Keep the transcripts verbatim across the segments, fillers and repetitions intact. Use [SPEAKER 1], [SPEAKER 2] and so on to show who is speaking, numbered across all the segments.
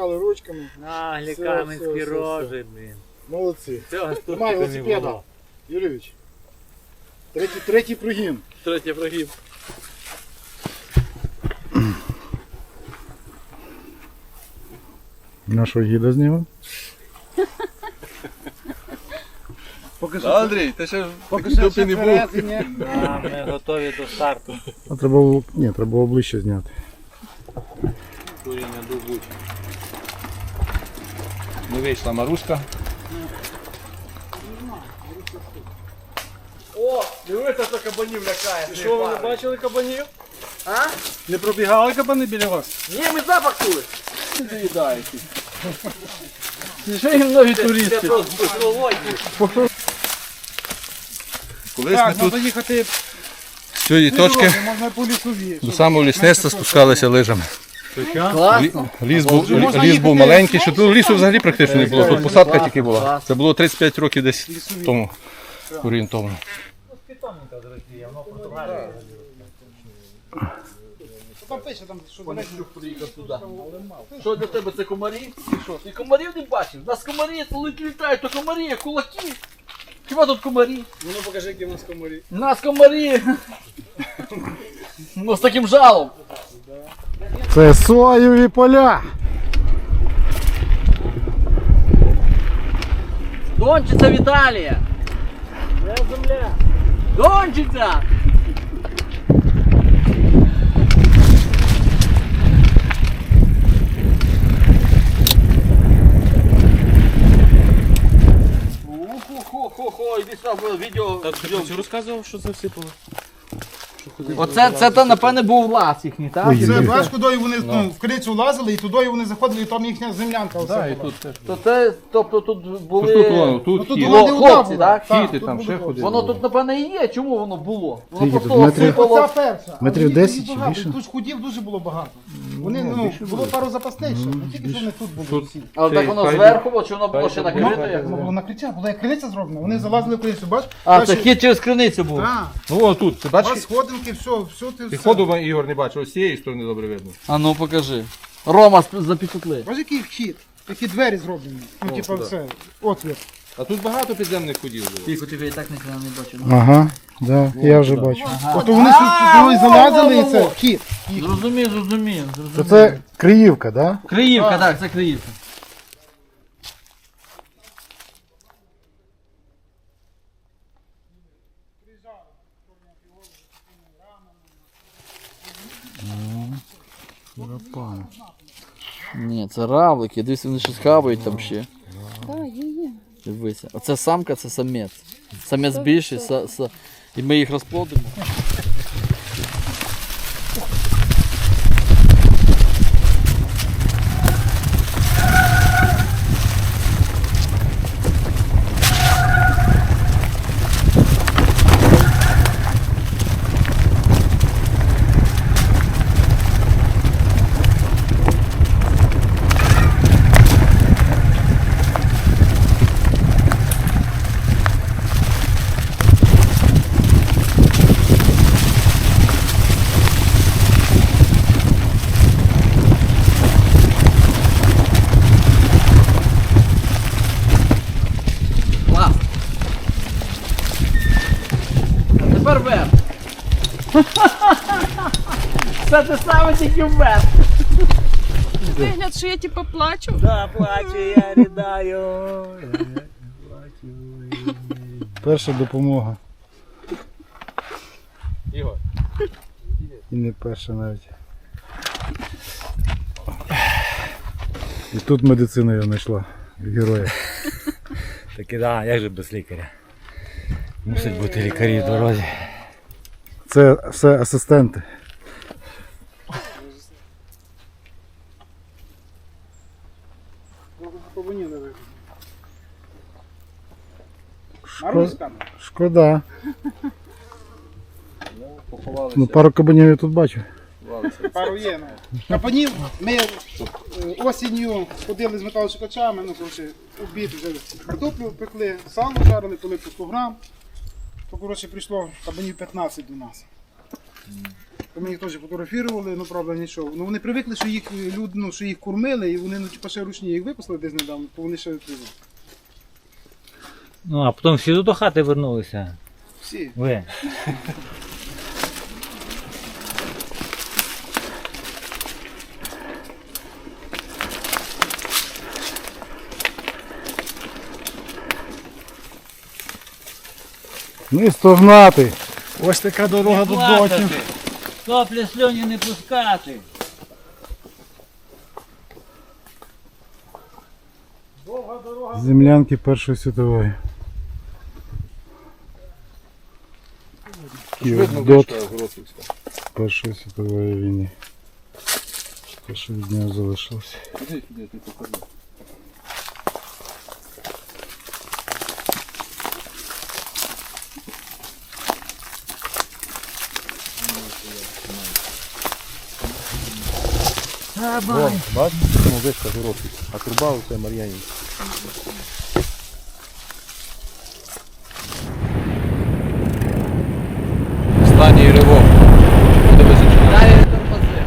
[SPEAKER 1] помахали ручками.
[SPEAKER 2] На,
[SPEAKER 1] Все,
[SPEAKER 2] лікарницькі
[SPEAKER 1] все, все,
[SPEAKER 2] рожи, блін.
[SPEAKER 1] Молодці.
[SPEAKER 2] Цього ж тут
[SPEAKER 1] Тримай
[SPEAKER 2] не
[SPEAKER 1] велосипеда,
[SPEAKER 2] було.
[SPEAKER 1] Юрійович. Третій, третій прогін.
[SPEAKER 2] Третій прогиб.
[SPEAKER 1] Нашого гіда знімемо.
[SPEAKER 3] Поки що, Андрій, ти ще
[SPEAKER 1] Поки
[SPEAKER 3] в
[SPEAKER 1] що
[SPEAKER 3] дупі
[SPEAKER 1] ще
[SPEAKER 3] не був.
[SPEAKER 1] перевезення.
[SPEAKER 2] А, ми готові до старту.
[SPEAKER 1] А треба було, ні, треба було ближче зняти.
[SPEAKER 2] Куріння дубуть.
[SPEAKER 3] Не вийшла Маруська.
[SPEAKER 2] О, дивися, що кабанів лякає.
[SPEAKER 1] Що, ви не бачили кабанів? А? Не пробігали кабани біля вас?
[SPEAKER 2] Ні, ми запах чули.
[SPEAKER 3] Доїдаєте.
[SPEAKER 1] Ще їм нові
[SPEAKER 2] Це
[SPEAKER 1] туристи.
[SPEAKER 2] просто з головою.
[SPEAKER 3] Колись
[SPEAKER 1] Так,
[SPEAKER 3] ми
[SPEAKER 1] треба
[SPEAKER 3] тут
[SPEAKER 1] їхати
[SPEAKER 3] з цієї точки
[SPEAKER 1] можна по лісові.
[SPEAKER 3] до самого лісництва спускалися лижами.
[SPEAKER 2] Класно.
[SPEAKER 3] Ліс був,
[SPEAKER 1] Можна
[SPEAKER 3] ліс був
[SPEAKER 1] їхати-
[SPEAKER 3] маленький, що тут лісу взагалі практично не було, тут посадка тільки була. Це було тридцять п'ять років десь тому орієнтовно.
[SPEAKER 2] Питомника з Росії, воно в Португалії.
[SPEAKER 1] Там пише, там, що
[SPEAKER 2] Приїхав туди. Що для тебе це комарі? Ти що? Ти комарів не бачив? У нас комарі, коли літають, то комарі, як кулаки. Хіба тут комарі?
[SPEAKER 1] Ну покажи, які в нас комарі.
[SPEAKER 2] У нас комарі. Ну з таким жалом.
[SPEAKER 1] Це соєві поля.
[SPEAKER 2] Дончиця Віталія. Де земля? Дончиця. Хо-хо-хо, іди сюди, відео.
[SPEAKER 4] Ти розказував, що засипало?
[SPEAKER 2] Оце, це то, напевне, був лаз їхній, так?
[SPEAKER 1] Це бачиш, куди вони ну, в крицю лазили, і туди вони заходили, і там їхня землянка.
[SPEAKER 3] Да, і
[SPEAKER 1] Оце
[SPEAKER 3] тут теж.
[SPEAKER 2] То це, тобто тут були...
[SPEAKER 3] Тут, воно, тут
[SPEAKER 1] Ну, тут
[SPEAKER 3] хід.
[SPEAKER 1] була де вода
[SPEAKER 2] хлопці,
[SPEAKER 1] була.
[SPEAKER 2] так?
[SPEAKER 3] Хід і
[SPEAKER 1] тут
[SPEAKER 3] там
[SPEAKER 1] були
[SPEAKER 3] ще
[SPEAKER 1] хлопці.
[SPEAKER 3] ходили.
[SPEAKER 2] Воно тут, напевне, і є. Чому воно було? Воно
[SPEAKER 1] Скільки
[SPEAKER 2] просто
[SPEAKER 1] тут метрів?
[SPEAKER 2] осипало.
[SPEAKER 1] Оця перша.
[SPEAKER 5] Метрів
[SPEAKER 1] Але
[SPEAKER 5] десять
[SPEAKER 1] їх
[SPEAKER 5] чи
[SPEAKER 1] багато,
[SPEAKER 5] більше?
[SPEAKER 1] Тут ж худів дуже було багато. Вони, ну, було пару запасних ще. Не тільки що вони тут були
[SPEAKER 3] Тут.
[SPEAKER 1] всі.
[SPEAKER 2] Але так воно
[SPEAKER 3] Хай-
[SPEAKER 2] зверху, було, чи воно було
[SPEAKER 3] хай
[SPEAKER 2] ще
[SPEAKER 3] буде.
[SPEAKER 2] накрите? як?
[SPEAKER 1] Воно було накриття, була як криниця зроблена. Вони залазили в криницю, бач?
[SPEAKER 2] А, це
[SPEAKER 1] Дальше-
[SPEAKER 2] хід через криницю був.
[SPEAKER 1] Так.
[SPEAKER 3] Ну о, тут, ти
[SPEAKER 1] У вас
[SPEAKER 3] бачиш?
[SPEAKER 1] сходинки, все, все ти
[SPEAKER 3] Ти
[SPEAKER 1] все.
[SPEAKER 3] ходу Ігор не бачив, ось з цієї сторони добре видно.
[SPEAKER 2] А ну покажи. Рома запікли.
[SPEAKER 1] Бачиш, який вхід? Які двері зроблені. Ну, типа
[SPEAKER 3] сюди.
[SPEAKER 1] все, отвір.
[SPEAKER 3] А тут багато підземних ходів було.
[SPEAKER 2] Тільки тобі і так ніхто не бачив.
[SPEAKER 5] Ага, да, я вже бачу.
[SPEAKER 1] Тобто вони сюди залазили і це вхід.
[SPEAKER 2] Зрозумів, зрозумів.
[SPEAKER 5] То
[SPEAKER 2] зрозумів.
[SPEAKER 5] це Криївка, да?
[SPEAKER 2] Криївка, так, це Криївка. Ні, це равлики, дивись, вони щось хавають там ще.
[SPEAKER 6] Так, є, є.
[SPEAKER 2] Дивися. Оце самка, це самець. Самець більший, са, са... і ми їх розплодимо. Клас. А тепер вверх. Це те саме, тільки вверх.
[SPEAKER 6] Вигляд, що я типу плачу.
[SPEAKER 2] Да, плачу, я ридаю.
[SPEAKER 5] Перша допомога.
[SPEAKER 3] Ігор.
[SPEAKER 5] І не перша навіть. І тут медицина його знайшла. Героя.
[SPEAKER 4] Так і да, як же без лікаря? Мусить бути лікарі в дорозі.
[SPEAKER 5] Це все асистенти.
[SPEAKER 1] Маруська.
[SPEAKER 5] Шкода.
[SPEAKER 3] Поховалися.
[SPEAKER 5] Ну пару кабанів я тут бачу.
[SPEAKER 1] Пару є. ну. Капанів ми е, осінню ходили з металошукачами, ну, коротше, обід вже картоплю пекли, сало жарили, коли по сто грам. То, коротше, прийшло кабанів п'ятнадцять до нас. То ми їх теж фотографували, ну правда нічого. Ну вони привикли, що їх люд, ну, що їх кормили, і вони ну, типу, ще ручні їх випустили десь недавно, то вони ще відповіли.
[SPEAKER 4] Ну, а потім всі до хати вернулися.
[SPEAKER 1] Всі.
[SPEAKER 4] Ви.
[SPEAKER 5] Не стогнати.
[SPEAKER 1] Ось така дорога
[SPEAKER 4] Не плакати. Соплі сльоні не пускати.
[SPEAKER 5] Землянки Першої світової. Київдот Першої світової війни. Те, що від нього залишилося.
[SPEAKER 3] Вон, бачиш, ну вишка Горохів, а труба оце Мар'янівська. Останній ривок. Буде височено.
[SPEAKER 2] Дай тормози.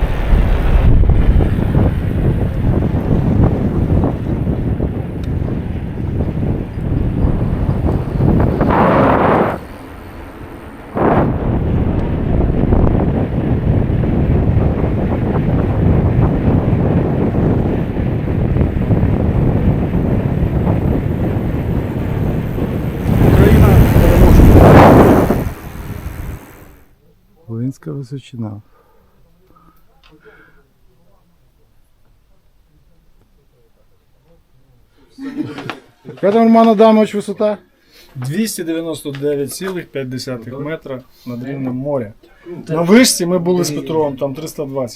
[SPEAKER 5] Волинська височина. Яка там, Роман Адамович, висота?
[SPEAKER 7] двісті дев'яносто дев'ять цілих п'ять десятих метра над рівнем моря. На вишці ми були з Петровим, там триста двадцять.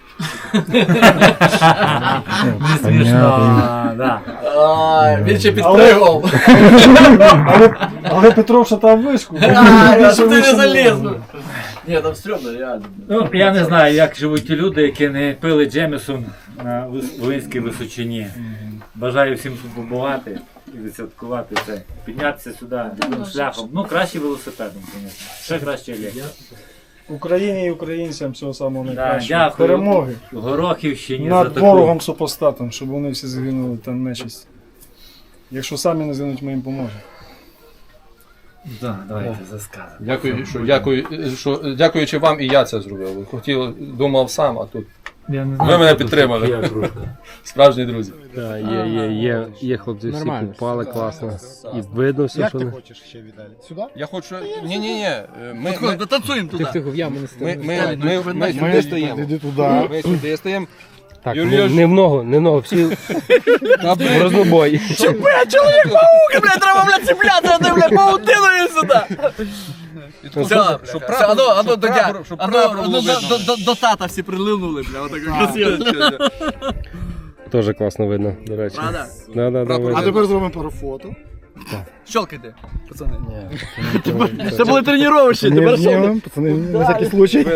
[SPEAKER 4] Не смішно, да.
[SPEAKER 2] Ай, він ще підпригав.
[SPEAKER 7] Але, але Петров шатав вишку.
[SPEAKER 2] Ай, а
[SPEAKER 7] Більше
[SPEAKER 2] що ти
[SPEAKER 7] вище
[SPEAKER 2] не
[SPEAKER 7] не
[SPEAKER 2] заліз?
[SPEAKER 7] було.
[SPEAKER 2] Ні, там стрьомно, реально.
[SPEAKER 4] Ну, я не знаю, як живуть ті люди, які не пили Джемісон на Вис- Волинській височині. Бажаю всім тут побувати і відсвяткувати це. Піднятися сюди таким шляхом. Ну, краще велосипедом, звісно. Ще краще є.
[SPEAKER 7] Україні і українцям всього самого
[SPEAKER 4] Да,
[SPEAKER 7] найкращого.
[SPEAKER 4] дякую.
[SPEAKER 7] Перемоги
[SPEAKER 4] Горохівщині за
[SPEAKER 7] над
[SPEAKER 4] таку.
[SPEAKER 7] ворогом супостатом, щоб вони всі загинули та нечисть. Якщо самі не згинуть, ми їм поможемо.
[SPEAKER 4] Да, давайте заскажемо.
[SPEAKER 3] Дякую, що, дякую, що, дякуючи вам і я це зробив. Хотів, думав сам, а тут
[SPEAKER 4] Я не
[SPEAKER 3] Ви мене підтримали.
[SPEAKER 4] Я кружка.
[SPEAKER 3] справжні друзі.
[SPEAKER 8] Так, є, є, є, є хлопці всі попали класно. І видно все,
[SPEAKER 5] Як
[SPEAKER 8] що
[SPEAKER 5] ти
[SPEAKER 8] вони.
[SPEAKER 5] хочеш ще, Віталій? Сюди?
[SPEAKER 3] Я хочу. Ні, ні, ні. Ми,
[SPEAKER 2] Ми, ми танцюємо туди.
[SPEAKER 8] Тихо, тихо, в яму не
[SPEAKER 3] ми,
[SPEAKER 8] стане.
[SPEAKER 3] ми, ми, ми, ми сюди стоїмо.
[SPEAKER 5] Іди туди.
[SPEAKER 3] Ми сюди стоїмо.
[SPEAKER 8] Так,
[SPEAKER 3] Юрій,
[SPEAKER 8] не, не в ногу, не в ногу, всі в рознобой.
[SPEAKER 2] Бля, чоловік паук, бля, треба, бля, цепляти, а ти, бля, паутиною сюди. Все,
[SPEAKER 3] щоб
[SPEAKER 2] все, ану, ану, до дя-
[SPEAKER 3] щоб
[SPEAKER 2] ану,
[SPEAKER 3] прапор
[SPEAKER 2] ану,
[SPEAKER 3] було
[SPEAKER 2] до-
[SPEAKER 3] видно.
[SPEAKER 2] до- до- до тата всі прилинули, бля, отако красиво.
[SPEAKER 8] Теж класно видно, до речі.
[SPEAKER 2] Правда?
[SPEAKER 8] Да, да, да,
[SPEAKER 5] А
[SPEAKER 8] видно.
[SPEAKER 5] тепер зробимо пару фото.
[SPEAKER 2] Щелкайте, пацани. Це були тренування,
[SPEAKER 5] Не
[SPEAKER 2] тепер що?
[SPEAKER 5] знімемо, пацани, на всякий случай.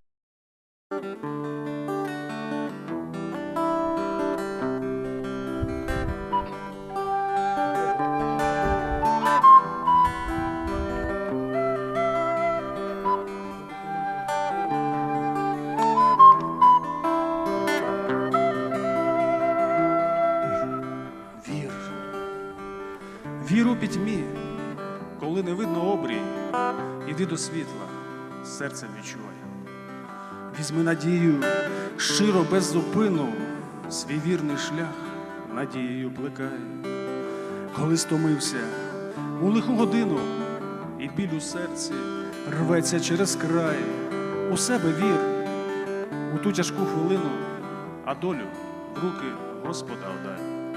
[SPEAKER 9] Вір. Вір у пітьмі, коли не видно обрій, іди до світла, серцем відчувай. Візьми надію, щиро без зупину, свій вірний шлях надією плекай. Коли стомився у лиху годину, і біль у серці рветься через край, у себе вір, у ту тяжку хвилину, а долю в руки Господа отдай.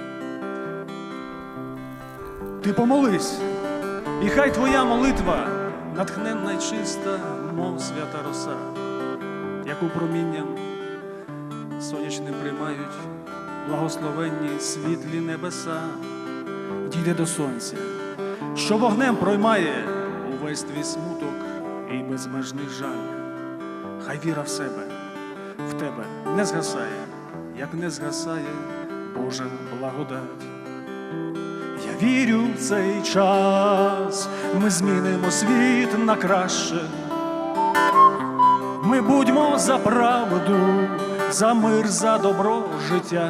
[SPEAKER 9] Ти помолись, і хай твоя молитва натхненна й чиста, мов свята роса, яку промінням сонячним приймають благословенні світлі небеса. Дійде до сонця, що вогнем проймає увесь твій смуток і безмежний жаль. Хай віра в себе, в тебе не згасає, як не згасає Божа благодать. Я вірю в цей час, ми змінимо світ на краще. Ми Ми будьмо за правду, за мир, за добро життя.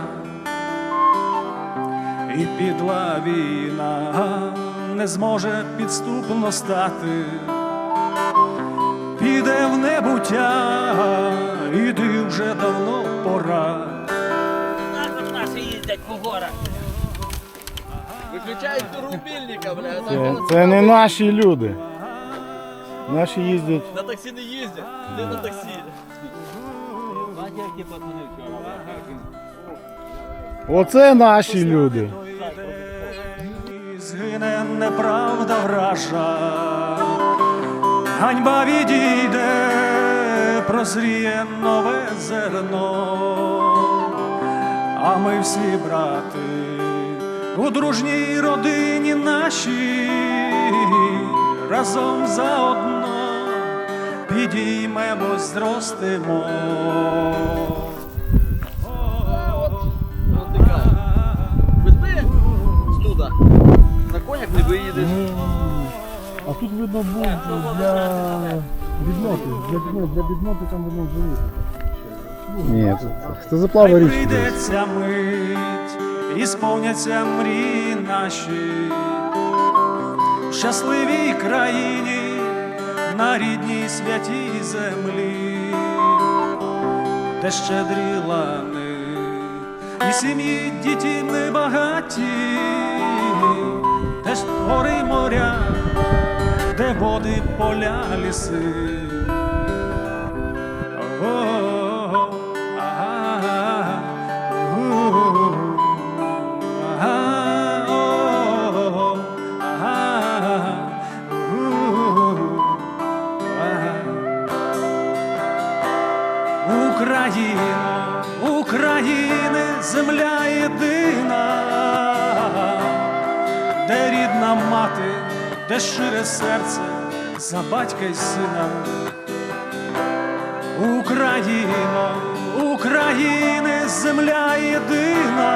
[SPEAKER 9] І підла війна не зможе підступно стати, піде в небуття, іди вже давно пора.
[SPEAKER 2] Виключають рубільника, бля.
[SPEAKER 5] Це, це не наші люди. Наші їздять.
[SPEAKER 2] На таксі не їздять. Де на таксі?
[SPEAKER 5] Оце наші люди.
[SPEAKER 9] Згине неправда вража, ганьба відійде, прозріє нове зерно, а ми всі брати у дружній родині нашій, разом заодно підіймемось, зростемо.
[SPEAKER 2] Візьми студа. На конях не виїдеш.
[SPEAKER 5] А тут видно був для відноти. Для відноти, для відноти там видно живуть. Ні, це, це заплава
[SPEAKER 9] Хай
[SPEAKER 5] річки.
[SPEAKER 9] прийдеться мить, і сповняться мрії наші в щасливій країні, на рідній святій землі, де щедрі лани і сім'ї дітьми багаті, де ж гори й моря, де води, поля, ліси. О-о-о, ага, у-у-у, ага, о-о-о, ага, у-у-у, ага. Україно, України, земля єдина, де рідна мати, де щире серце за батька й сина. Україно, України, земля єдина,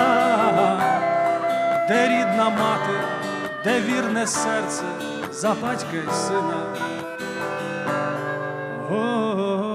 [SPEAKER 9] де рідна мати, де вірне серце за батька й сина. О-о-о.